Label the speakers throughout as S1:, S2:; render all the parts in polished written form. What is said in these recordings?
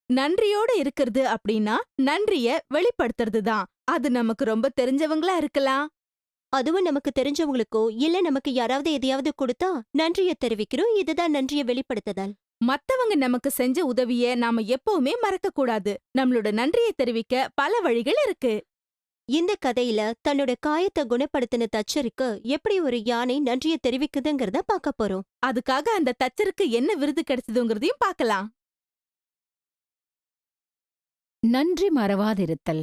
S1: நன்றியோட இருக்கிறது அப்படின்னா நன்றிய வெளிப்படுத்துறது தான். அது நமக்கு ரொம்ப தெரிஞ்சவங்களா இருக்கலாம்.
S2: அதுவும் நமக்கு தெரிஞ்சவங்களுக்கோ இல்ல நமக்கு யாராவது எதையாவது கொடுத்தா நன்றிய தெரிவிக்கிறோம். இதுதான் நன்றிய வெளிப்படுத்துதல்.
S1: மத்தவங்க நமக்கு செஞ்ச உதவிய நாம எப்பவுமே மறக்க கூடாது. நம்மளோட நன்றியை தெரிவிக்க பல வழிகள் இருக்கு.
S2: இந்த கதையில தன்னோட காயத்தை குணப்படுத்தின தச்சருக்கு எப்படி ஒரு யானை நன்றிய தெரிவிக்குதுங்கிறத பார்க்க போறோம்.
S1: அதுக்காக அந்த தச்சருக்கு என்ன விருது கிடைச்சதுங்கிறதையும் பார்க்கலாம்.
S3: நன்றி மறவாதிருத்தல்.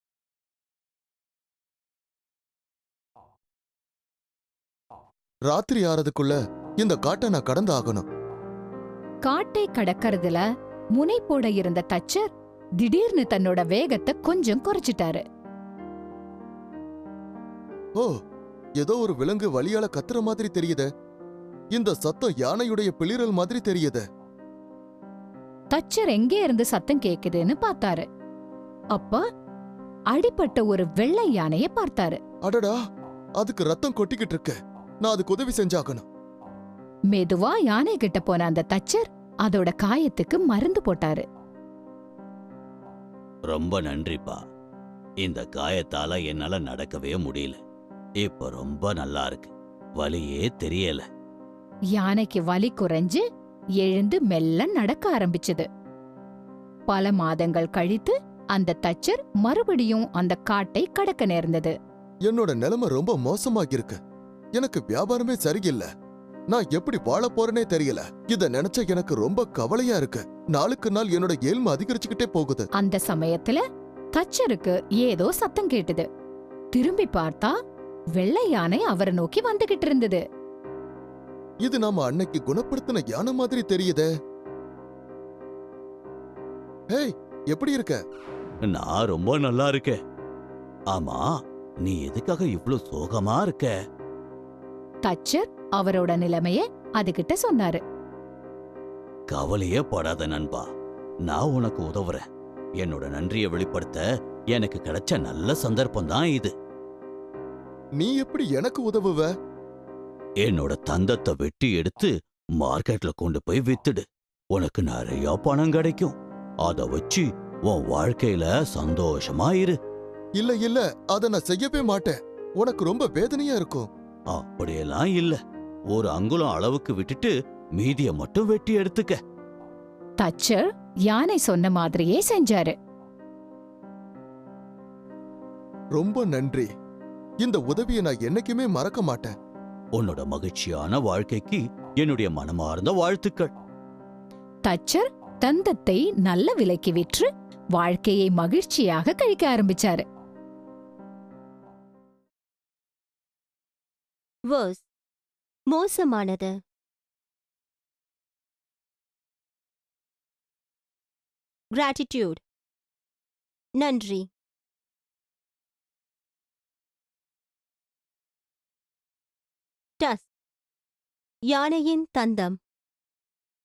S4: ராத்திரி ஆறதுக்குள்ள இந்த காட்டை நான் கடந்து ஆகணும்.
S3: காட்டை கடக்கறதுல முனைப்போட இருந்த தச்சர் திடீர்னு தன்னோட வேகத்தை கொஞ்சம் குறைச்சிட்டாரு.
S4: ஓ, ஏதோ ஒரு விலங்கு வலியால கத்துற மாதிரி தெரியுதே. இந்த சத்தம் யானையுடைய பிளிரல் மாதிரி தெரியுதே.
S3: தச்சர் எங்கே இருந்து சத்தம் கேக்குதுன்னு பார்த்தாரு. அப்ப அடிபட்ட ஒரு வெள்ளை யானைய பார்த்தாரு.
S4: அடடா, அதுக்கு ரத்தம் கொட்டிக்கிட்டு இருக்கு. நான் அதுக்கு உதவி செஞ்சாகணும்.
S3: மெதுவா யானை கிட்ட போன அந்த தச்சர் அதோட காயத்துக்கு மருந்து போட்டாரு.
S5: ரொம்ப நன்றிப்பா. இந்த காயத்தால என்னால நடக்கவே முடியல. இப்ப ரொம்ப நல்லா இருக்கு. வலியே தெரியல.
S3: யானைக்கு வலி குறைஞ்சு எழுந்து மெல்ல நடக்க ஆரம்பிச்சது. பல மாதங்கள் கழித்து அந்த தச்சர் மறுபடியும் அந்த காட்டை கடக்க நேர்ந்தது.
S4: என்னோட நிலைமை ரொம்ப மோசமாகிருக்கு. எனக்கு வியாபாரமே சரியில்லை. நான் எப்படி வாழ போறேனே தெரியல. இத நினைச்ச எனக்கு ரொம்ப கவலையா இருக்கு. நாளுக்கு நாள் என்னோட ஏழ்மை அதிகரிச்சுக்கிட்டே போகுது.
S3: அந்த சமயத்துல தச்சருக்கு ஏதோ சத்தம் கேட்டது. திரும்பி பார்த்தா வெள்ளை யானை அவரை நோக்கி வந்துகிட்டு இருந்தது.
S4: இது நாம அன்னைக்கு குணப்படுத்தின யானை மாதிரி தெரியுதே. ஹேய், எப்படி இருக்க?
S5: நான் ரொம்ப நல்லா இருக்கேன். ஆமா, நீ எதுக்காக இவ்ளோ சோகமா இருக்க?
S3: தச்சர் அவரோட நிலைமைய அதுகிட்ட சொன்னாரு.
S5: கவலையே படாத நண்பா, நான் உனக்கு உதவுறேன். என்னோட நன்றியை வெளிப்படுத்த எனக்கு கிடைச்ச நல்ல சந்தர்ப்பம் தான் இது.
S4: நீ எப்படி எனக்கு உதவுவ?
S5: என்னோட தந்தத்தை வெட்டி எடுத்து மார்க்கெட்ல கொண்டு போய் வித்துடு. உனக்கு நிறைய பணம் கிடைக்கும். அத வச்சு உன் வாழ்க்கையில சந்தோஷமா இரு.
S4: இல்ல இல்ல, அத நான் செய்யவே மாட்டேன். உனக்கு ரொம்ப வேதனையா இருக்கும்.
S5: அப்படியெல்லாம் இல்ல. ஒரு அங்குலம் அளவுக்கு விட்டுட்டு மீதிய மட்டும் வெட்டி எடுத்துக்க.
S3: தச்சர் யானை சொன்ன மாதிரியே செஞ்சாரு.
S4: ரொம்ப நன்றி. இந்த உதவியை நான் என்னைக்குமே மறக்க மாட்டேன்.
S5: உன்னோட மகிழ்ச்சியான வாழ்க்கைக்கு என்னுடைய மனமார்ந்த வாழ்த்துக்கள்.
S3: தச்சர் தந்தத்தை நல்ல விலைக்கு விற்று வாழ்க்கையை மகிழ்ச்சியாக கழிக்க ஆரம்பிச்சாரு.
S2: வேர்ஸ் மோசமானது. கிராட்டிடியூட் நன்றி. டஸ் யானையின் தந்தம்.